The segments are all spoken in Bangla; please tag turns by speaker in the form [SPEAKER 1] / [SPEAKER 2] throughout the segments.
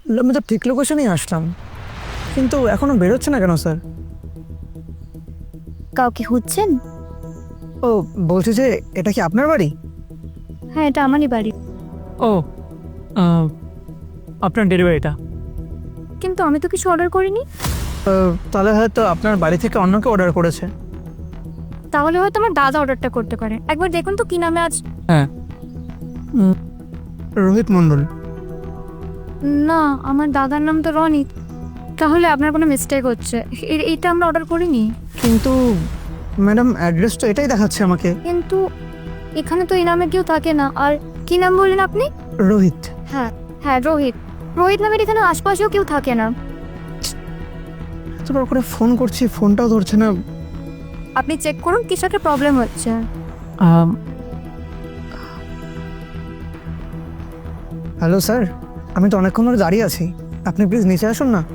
[SPEAKER 1] আমি তো ঠিক লোকেশনেই আসলাম, কিন্তু এখনো বেরোচ্ছে না কেন স্যার?
[SPEAKER 2] কাউকে খুঁজছেন?
[SPEAKER 1] ও, বলছি যে এটা কি আপনার বাড়ি?
[SPEAKER 2] হ্যাঁ, এটা আমারই বাড়ি।
[SPEAKER 1] ও, আপনার ডেলিভারিটা।
[SPEAKER 2] কিন্তু আমি তো কিছু অর্ডার করিনি।
[SPEAKER 1] তাহলে হয়তো আপনার বাড়ি থেকে অন্য কেউ অর্ডার করেছে।
[SPEAKER 2] তাহলে হয়তো আমার দাদা অর্ডারটা করতে পারে। একবার দেখুন তো কি নামে আজ।
[SPEAKER 1] হ্যাঁ, রোহিত মণ্ডল।
[SPEAKER 2] না, আমার দাদার নাম তো রনিত। তাহলে আপনার কোনো মিস্টেক হচ্ছে। এইটা আমরা অর্ডার করিনি।
[SPEAKER 1] কিন্তু ম্যাডাম, অ্যাড্রেস তো এটাই দেখাচ্ছে আমাকে।
[SPEAKER 2] কিন্তু এখানে তো এই নামে কেউ থাকে না। আর কি নাম বললেন আপনি?
[SPEAKER 1] রোহিত।
[SPEAKER 2] হ্যাঁ হ্যাঁ, রোহিত। রোহিত নামের এখানে আশপাশেও কেউ থাকে না।
[SPEAKER 1] এতবার করে ফোন করছি, ফোনটাও ধরছে না।
[SPEAKER 2] আপনি চেক করুন কিছু একটা প্রবলেম হচ্ছে।
[SPEAKER 1] হ্যালো স্যার, আমি তো অনেকক্ষণ ধরে দাঁড়িয়ে আছি, আপনি প্লিজ নিচে আসুন না।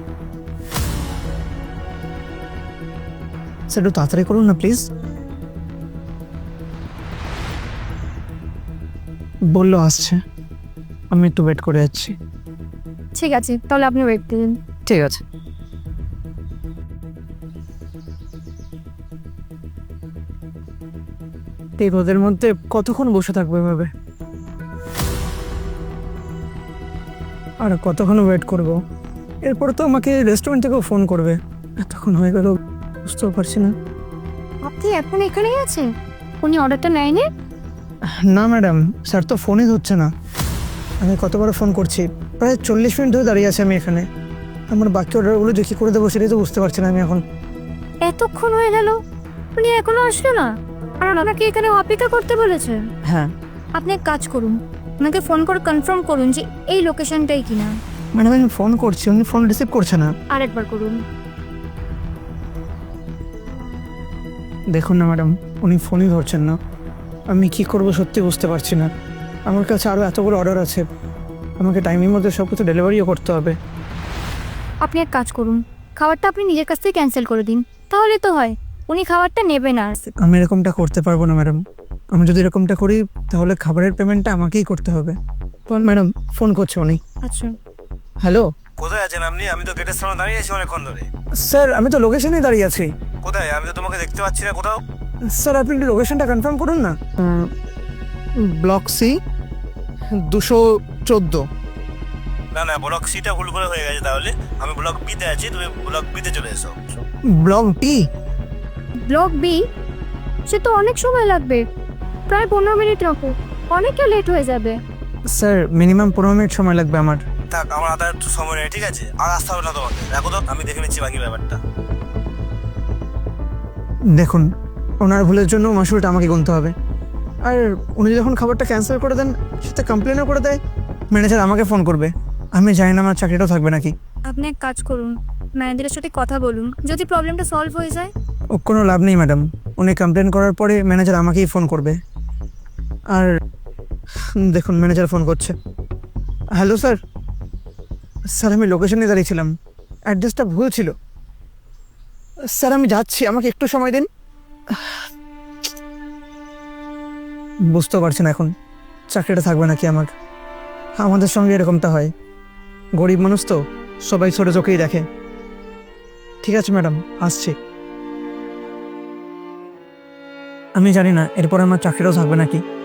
[SPEAKER 1] স্যার একটু তাড়াতাড়ি করুন না প্লিজ। বললো আসছে, আমি একটু ওয়েট করে যাচ্ছি।
[SPEAKER 2] ঠিক আছে, তাহলে আপনি ওয়েট করুন।
[SPEAKER 1] ঠিক আছে। এই রোদের মধ্যে কতক্ষণ বসে থাকবো এভাবে? আর কতক্ষণ ওয়েট করব? এরপর তো আমাকে রেস্টুরেন্ট থেকেও ফোন করবে। এতক্ষণ হয়ে গেল, বুঝতেও পারছি না।
[SPEAKER 2] আপনি এখন এখানেই আছেন? উনি অর্ডারটা নেয়নি?
[SPEAKER 1] না ম্যাডাম, স্যার তো ফোনই ধরছে না। আমি কতবার ফোন করছি, প্রায় 40 মিনিট ধরে দাঁড়িয়ে আছি আমি এখানে। আমার বাকি অর্ডারগুলো যে কী করে দেবো সেটাই তো বুঝতে পারছি না আমি এখন।
[SPEAKER 2] এতক্ষণ হয়ে গেল, উনি এখনো আসলো না। আর আপনাকে এখানে অপেক্ষা করতে বলেছে।
[SPEAKER 1] হ্যাঁ
[SPEAKER 2] আপনি এক কাজ করুন, ওনাকে ফোন করে কনফার্ম করুন যে এই লোকেশনটাই কিনা।
[SPEAKER 1] ম্যাডাম, আমি ফোন করছি, উনি ফোন রিসিভ করছে না।
[SPEAKER 2] আরেকবার করুন।
[SPEAKER 1] দেখুন না ম্যাডাম, উনি ফোনই ধরছেন না। আমি কি করব সত্যি বুঝতে পারছি না। আমার কাছে আরও এতগুলো অর্ডার আছে, আমাকে টাইমের মধ্যে সব কিছু ডেলিভারিও করতে হবে।
[SPEAKER 2] আপনি এক কাজ করুন, খাবারটা আপনি নিজের কাছ থেকে ক্যান্সেল করে দিন, তাহলে তো হয়। উনি খাবারটা নেবে না।
[SPEAKER 1] আমি এরকমটা করতে পারবো না ম্যাডাম। আমি যদি এরকমটা করি তাহলে খাবারের পেমেন্টটা আমাকেই করতে হবে। ম্যাডাম, ফোন করছে উনি।
[SPEAKER 2] আচ্ছা,
[SPEAKER 1] হ্যালো
[SPEAKER 3] কোথায় আছেন আপনি? আমি তো গেটের সামনে দাঁড়িয়ে আছি অনেকক্ষণ ধরে।
[SPEAKER 1] স্যার, আমি তো লোকেশনেই দাঁড়িয়ে আছি।
[SPEAKER 3] কোথায়? আমি তো তোমাকে দেখতে পাচ্ছি না কোথাও।
[SPEAKER 1] স্যার, আপনি একটু লোকেশনটা কনফার্ম করুন না। Block C 214।
[SPEAKER 3] না না, ব্লক সিটা ভুল করে হয়ে গেছে। তাহলে আমি ব্লক বিতে আছি, তুমি ব্লক বিতে চলে এসো।
[SPEAKER 1] Block T.
[SPEAKER 2] Block B? সে তো অনেক সময় লাগবে, প্রায় 15 মিনিট রাখো, অনেকটা লেট হয়ে যাবে।
[SPEAKER 1] স্যার, মিনিমাম 15 মিনিট সময় লাগবে আমার।
[SPEAKER 3] থাক, আমার হাতে আর একটু সময় নেই, ঠিক আছে? আর আসতে হবে না তোমাকে, দেখো তো আমি দেখে নিচ্ছি বাকি ব্যাপারটা।
[SPEAKER 1] দেখুন, ওনার ভুলের জন্য মাসুলটা আমাকে গুনতে হবে। আর উনি যখন খাবারটা ক্যান্সেল করে দেন, সেটা কমপ্লেনও করে দেয়, ম্যানেজার আমাকে ফোন করবে। আমি জানি না আমার চাকরিটাও থাকবে নাকি।
[SPEAKER 2] আপনি এক কাজ করুন, ম্যানেজারের সাথে কথা বলুন, যদি প্রবলেমটা সলভ হয়ে যায়।
[SPEAKER 1] ও, কোনো লাভ নেই ম্যাডাম। উনি কমপ্লেন করার পরে ম্যানেজার আমাকেই ফোন করবে। আর দেখুন, ম্যানেজার ফোন করছে। Hello sir. স্যার, আমি লোকেশনে দাঁড়িয়েছিলাম, অ্যাড্রেসটা ভুল ছিল। স্যার, আমি যাচ্ছি, আমাকে একটু সময় দিন। বুঝতেও পারছি না এখন চাকরিটা থাকবে নাকি আমার। আমাদের সঙ্গে এরকমটা হয়, গরিব মানুষ তো, সবাই ছোটো চোখেই দেখে। ঠিক আছে ম্যাডাম, আসছি। আমি জানি না এরপর আমার চাকরিটাও থাকবে নাকি।